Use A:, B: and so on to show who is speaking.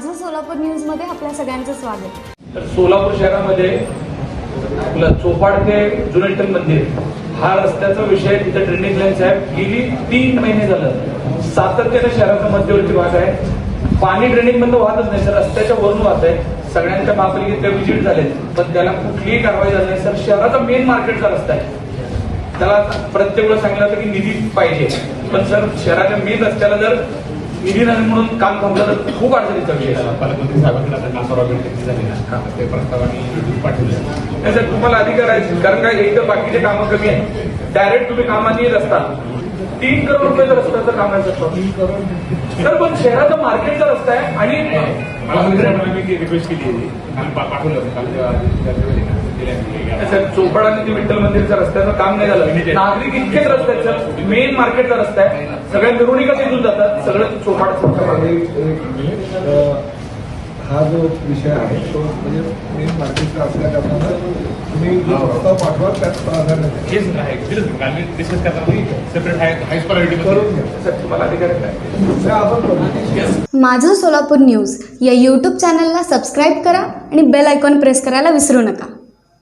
A: माझं सोलापूर न्यूजमध्ये आपल्या सगळ्यांचं स्वागत.
B: तर सोलापूर शहरामध्ये आपलं चोपाड ते जुने विठ्ठल मंदिर हा रस्त्याचा विषय तिथे ट्रेंडिंग लाईन साहेब गेली 3 महिने झालं सातत्याने शहराचा मध्यवर्ती भाग आहे. पाणी ट्रेंडिंग मधून वाहतच नाही सर, रस्त्याच्या वरून वाहत आहे. सगळ्यांच्या महापालिकेत व्हिजिट झाले पण त्याला कुठलीही कारवाई झाली नाही. सर शहराचा मेन मार्केटचा रस्ता आहे, त्याला प्रत्येक वेळेला सांगितलं होतं की निधी पाहिजे, पण सर शहराच्या मेन रस्त्याला जर निधी नाही म्हणून काम थांबलं तर खूप अडचणीचा विषय.
C: पालकमंत्री साहेबांकडे आता काम परवानगी झाली ना, ते प्रस्तावाने पाठवले
B: नाही सर, तुम्हाला अधिकार आहे, कारण काय एक तर बाकीचे कामं कमी आहेत. डायरेक्ट तुम्ही कामानी रस्ता 3 करोड रुपयाचा रस्त्याचं काम आहे सर, पण शहराचा मार्केटचा रस्ता आहे. आणि
C: मला रिक्वेस्ट केली पाठवलं
B: सर चोपड आणि ते विठ्ठल मंदिरच्या रस्त्याचं काम नाही झालं. नागरिक इतकेच रस्ते आहेत सर, मेन मार्केटचा रस्ता आहे, सगळ्या मिरवणुका तिथून जातात, सगळं चोपाड.
D: हा जो विषय आहे तो म्हणजे मेन मार्केटचा असल्या कारणानं तुम्ही जो प्रस्ताव पाठवा त्यात प्राधान्य
C: डिस्कस करताना सेपरेट हायस्ट प्रायोरिटी
D: करून घ्या.
B: सर तुम्हाला अधिकार आहे
D: त्या आपण करू.
A: माझं सोलापूर न्यूज या यूट्यूब चॅनलला सबस्क्राईब करा आणि बेल आयकॉन प्रेस करायला विसरू नका.